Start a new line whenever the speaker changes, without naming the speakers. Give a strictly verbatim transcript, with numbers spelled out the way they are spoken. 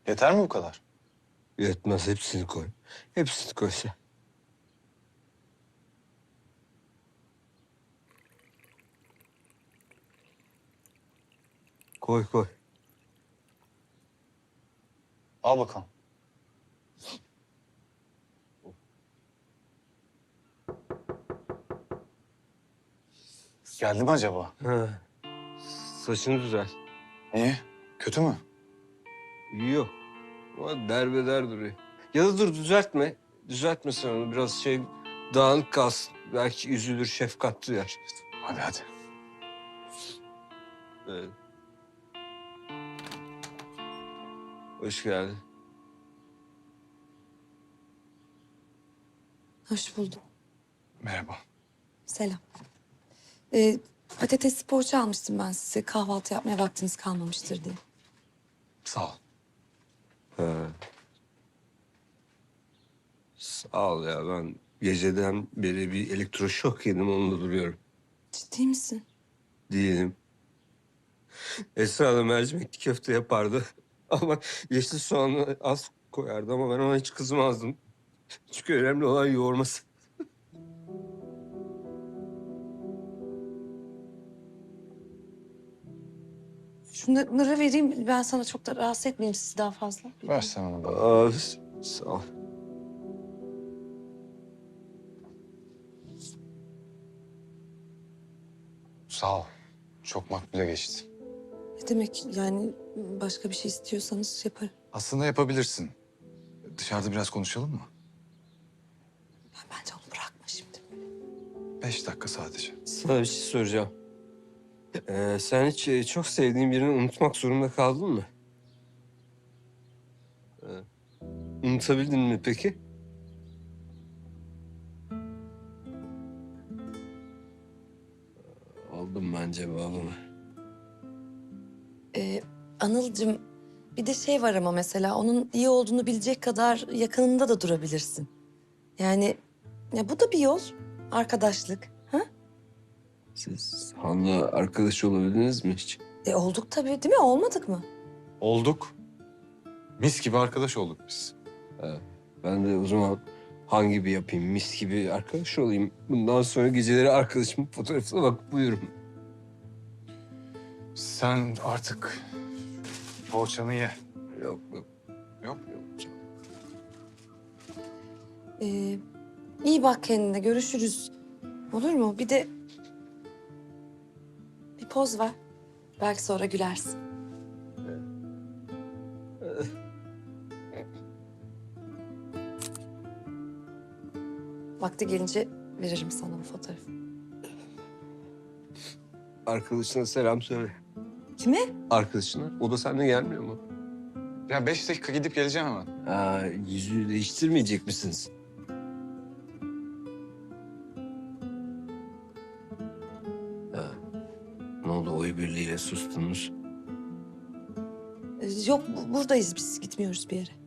Yeter mi bu kadar?
Yetmez, hepsini koy. Hepsini koy sen. Koy koy.
Al bakalım. Geldi mi acaba?
Ha. Saçını düzelt.
Niye? Kötü mü?
Yok. Ama derbeder duruyor. Ya da dur düzeltme. Düzeltme sen onu. Biraz şey dağınık kalsın. Belki üzülür, şefkat duyar.
Hadi hadi.
Evet. Hoş geldin.
Hoş buldum.
Merhaba.
Selam. Ee, patatesli poğaça almıştım ben size. Kahvaltı yapmaya vaktiniz kalmamıştır diye.
Sağ ol.
Ha. Sağ ol ya, ben geceden beri bir elektroşok yedim, onunla duruyorum.
Ciddi misin?
Değilim. Esra da mercimekli köfte yapardı. Ama yeşil soğanı az koyardı ama ben ona hiç kızmazdım. Çünkü önemli olan yoğurması.
Şunları vereyim. Ben sana çok da rahatsız etmeyeyim sizi daha fazla.
Ver sen onu bana.
Aa, sağ ol.
Sağ ol. Çok makbule geçti.
Ne demek yani başka bir şey istiyorsanız yaparım.
Aslında yapabilirsin. Dışarıda biraz konuşalım mı?
Ya bence onu bırakma şimdi.
Beş dakika sadece.
Sana bir şey soracağım. Ee, sen hiç e, çok sevdiğin birini unutmak zorunda kaldın mı? Ee, unutabildin mi peki? Aldım ben cevabımı.
Ee, Anılcığım bir de şey var ama mesela onun iyi olduğunu bilecek kadar yakınında da durabilirsin. Yani ya bu da bir yol. Arkadaşlık. Ha?
Siz Han'la arkadaş olabildiniz mi hiç?
E olduk tabii değil mi? Olmadık mı?
Olduk. Mis gibi arkadaş olduk biz.
Ben de o zaman Han gibi yapayım, mis gibi arkadaş olayım. Bundan sonra geceleri arkadaşımın fotoğrafına bakıp uyurum.
Sen artık poğaçanı ye.
Yok yok.
Yok.
Ee, iyi bak kendine. Görüşürüz. Olur mu? Bir de bir poz ver. Belki sonra gülersin. Vakti gelince veririm sana bu fotoğrafı.
Arkadaşına selam söyle.
Kime?
Arkadaşına. O da seninle gelmiyor mu?
Ya beş dakika gidip geleceğim hemen.
Ha, yüzüğü değiştirmeyecek misiniz? Ha. Ne oldu, oy birliğiyle sustunuz?
Ee, Yok bu- buradayız biz. Gitmiyoruz bir yere.